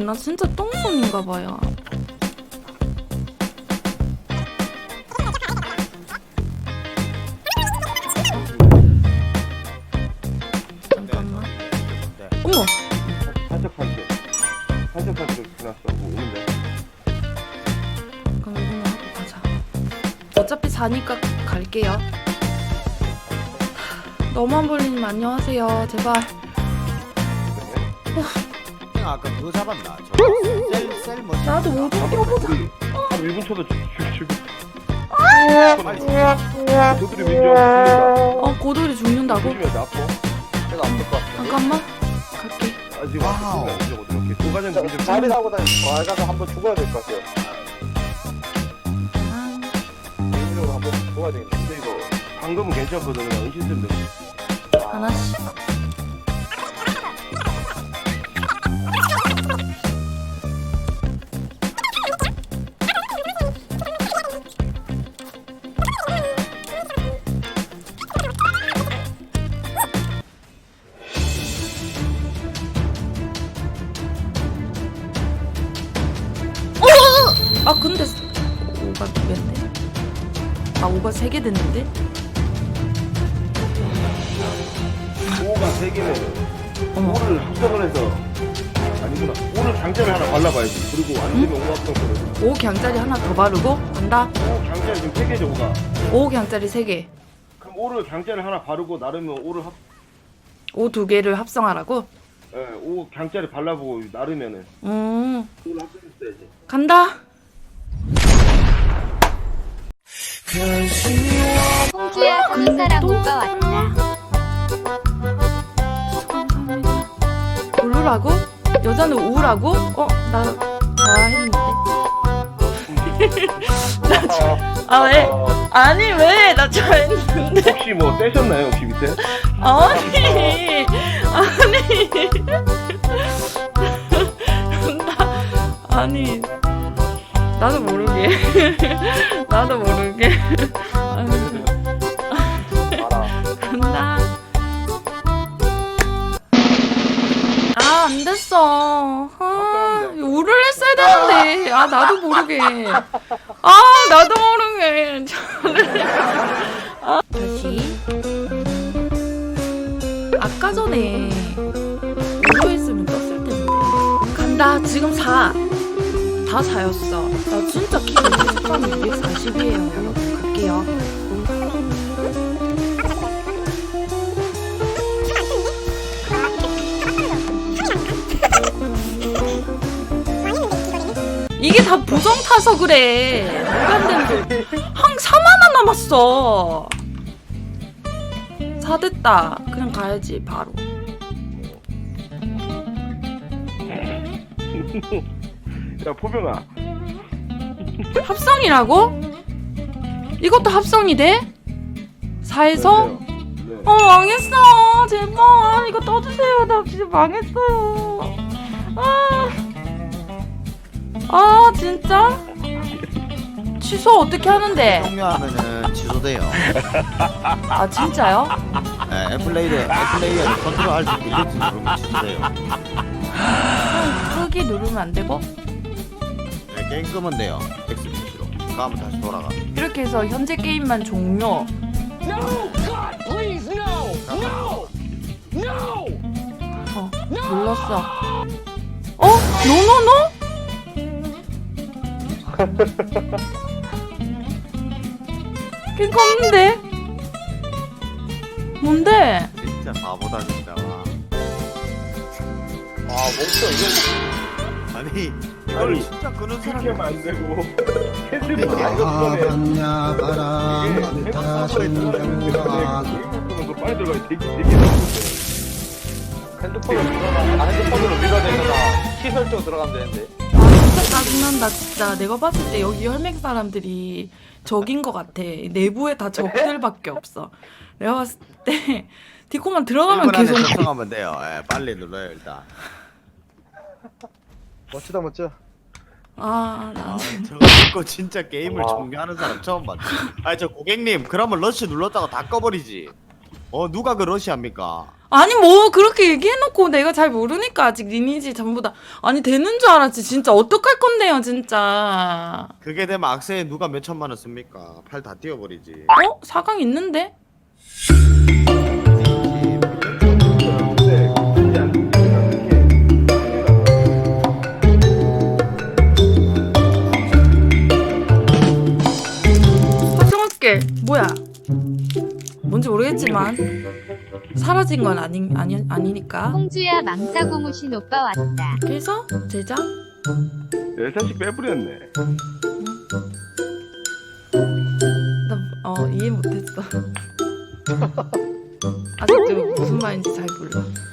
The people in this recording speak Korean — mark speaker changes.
Speaker 1: 나 진짜 똥손인가봐요. 잠깐만. 어머!
Speaker 2: 살짝 지났어. 뭐 오는데.
Speaker 1: 그럼 이거만 하고 가자. 어차피 자니까 갈게요. 너만 볼리님 안녕하세요. 제발.
Speaker 3: 형 아까 그거 잡았나? 셀 뭐?
Speaker 1: 나도 못 껴보자.
Speaker 2: 한 1분 쳐도 죽. 도들이 민정
Speaker 1: 고돌이 죽는다고?
Speaker 2: 조심해야 돼. 아파. 내가 아플 것 같아.
Speaker 1: 잠깐만. 갈게.
Speaker 2: 아직 아파. 이렇게 도가전 민정.
Speaker 4: 자리 사고 다니고 가서 한번 죽어야 될 것 같아요. 개인적으로 한번 죽어야 되겠네.
Speaker 2: 근데 이거 방금은 괜찮거든. 그냥 은신쌤
Speaker 1: 하나씩. 아 근데 5가 2개인데? 아 5가 3개 됐는데?
Speaker 2: 5가 3개면
Speaker 1: 어머.
Speaker 2: 5를 합성을 해서 아니구나. 5를 강제를 하나 발라봐야지. 그리고 안 되면 5 합성
Speaker 1: 5 강짜리 하나 더 바르고 간다.
Speaker 2: 5 강제를 지금 3개죠 5가.
Speaker 1: 5 강짜리 3개.
Speaker 2: 그럼 5를 강제를 하나 바르고 나르면 5를
Speaker 1: 5 2개를 합성하라고?
Speaker 2: 예, 5 강제를 발라보고 나르면은 5를 합성했어야지.
Speaker 1: 간다.
Speaker 5: 홍주야 군사랑 오빠 왔다.
Speaker 1: 감사합니다. 별로라고? 여자는 우라고? 나 했는데. 아 왜? 아니 왜? 나 잘했는데.
Speaker 2: 혹시 뭐 떼셨나요 혹시 밑에?
Speaker 1: 아니 아니 나도 모르게 간다. 아 안 됐어. 우를 했어야 되는데. 아 나도 모르게. 다시. 아까 전에 우로 했으면 떴을 텐데. 간다. 지금 4. 다 4였어. 나 진짜 키 113, 240이에요. 여러분 갈게요. 이게 다 부정 타서 그래. 뭐가 안 되는데. 한 4만 원 남았어. 4 됐다. 그냥 가야지 바로.
Speaker 2: 야 포병아.
Speaker 1: 합성이라고? 이것도 합성이 돼? 4에서?
Speaker 2: 네.
Speaker 1: 망했어. 제발 이거 떠주세요. 나 진짜 망했어요. 진짜? 취소 어떻게 하는데?
Speaker 3: 종료하면은 취소돼요.
Speaker 1: 아 진짜요?
Speaker 3: 네, 애플레이어 컨트롤 R 딜리트 누르면 취소돼요.
Speaker 1: 끄기 누르면 안 되고?
Speaker 3: 네, 게임 끄면 돼요. X 표시로. 그러면 다시 돌아가.
Speaker 1: 이렇게 해서 현재 게임만 종료. 눌렀어. 노노노? 깽 없는데? 뭔데?
Speaker 3: 진짜 바보다 진짜. 와.
Speaker 4: 멈춰 이거.
Speaker 3: 아니 이걸
Speaker 2: 아니,
Speaker 3: 진짜 끄는
Speaker 2: 그렇게
Speaker 3: 사람이
Speaker 2: 하면 안 되고.
Speaker 3: 네.
Speaker 2: 캔슬이
Speaker 3: 봤냐 바람 다신 경화.
Speaker 2: 빨리 들어가야 되게
Speaker 4: 핸드폰으로 밀어야 되잖아. 키 설정 들어가면 되는데.
Speaker 1: 진짜 짜증난다 진짜. 내가 봤을 때 여기 혈맹 사람들이 적인 것 같아. 내부에 다 적들밖에 없어. 내가 봤을 때 디코만 들어가면
Speaker 3: 1분 안에
Speaker 1: 계속
Speaker 3: 작성하면 돼요. 예, 빨리 눌러요 일단.
Speaker 4: 멋지다 멋져.
Speaker 1: 나
Speaker 3: 저거 듣고 진짜 게임을
Speaker 4: 와.
Speaker 3: 종료하는 사람 처음 봤네. 아니 저 고객님 그러면 러시 눌렀다가 다 꺼버리지. 누가 그 러시아입니까?
Speaker 1: 아니 뭐 그렇게 얘기해놓고 내가 잘 모르니까 아직 리니지 전부 다 아니 되는 줄 알았지. 진짜 어떡할 건데요 진짜.
Speaker 3: 그게 되면 악세에 누가 몇 천만 원 씁니까? 팔 다 띄워버리지.
Speaker 1: 4강 있는데? 화성학계 뭐야? 뭔지 모르겠지만 사라진 건 아니니까.
Speaker 5: 홍주야 망사 고무신 오빠 왔다.
Speaker 1: 그래서 제작?
Speaker 2: 13씩 빼버렸네.
Speaker 1: 나 이해 못했어. 아직도 무슨 말인지 잘 몰라.